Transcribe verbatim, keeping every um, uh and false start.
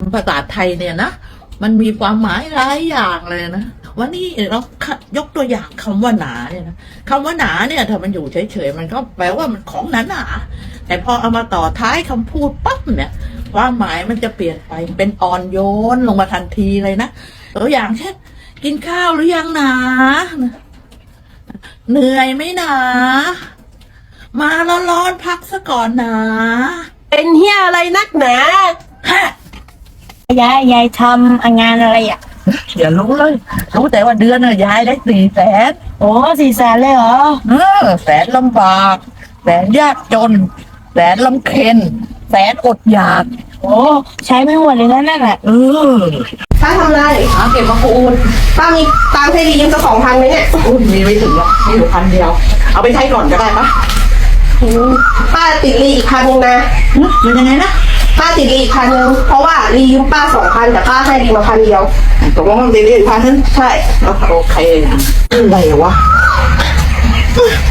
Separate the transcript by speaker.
Speaker 1: ภาษาไทยเนี่ยนะมันมีความหมายหลายอย่างเลยนะวันนี้เรายกตัวอย่างคำว่าหนาเนี่ยนะคำว่าหนาเนี่ยถ้ามันอยู่เฉยๆมันก็แปลว่ามันของหนาหนาแต่พอเอามาต่อท้ายคำพูดปั๊บเนี่ยความหมายมันจะเปลี่ยนไปเป็นอ่อนโยนลงมาทันทีเลยนะตัวอย่างเช่นกินข้าวหรือยังหนาเหนื่อยไหมหนามาร้อนๆพักซะก่อนหนา
Speaker 2: เป็นเฮียอะไรนักหนา
Speaker 1: ฮะ
Speaker 3: ยายยายทำงานอะไรอ่ะ
Speaker 1: อย่ารู้เลยรู้แต่ว่าเดือนน่ะยายได้สี่แสน
Speaker 3: โอ้สี่แสนเลยเหรอ
Speaker 1: เออแสนลำบากแสนยากจนแสนลำเค็ญแสนอดอยาก
Speaker 3: โอ้ใช้ไม่หมดเลยนะนั่นแหละ
Speaker 1: เออ
Speaker 2: ป้าทำไร
Speaker 1: หาเก็บมาคูณ
Speaker 2: ป้ามีตังค์ให้ดียืมสักสองพันไหมเนี่ย
Speaker 1: อุ้ยมีไม่ถึงหรอกมีอยู่พันเดียว เอาไปใช้ก่อนก็ได้ปะ
Speaker 2: ป้าติดรีอีกพันนึงนะ
Speaker 1: ฮะมันยังไงนะ
Speaker 2: ป้าติดรีอีกพันนึงเพราะว่ารียืมป้าสองพันแต่ป้าให้รีมาพันเดียว
Speaker 1: ตกลงมันดีๆพันนึง
Speaker 2: ใช่
Speaker 1: โอเคอะไรวะ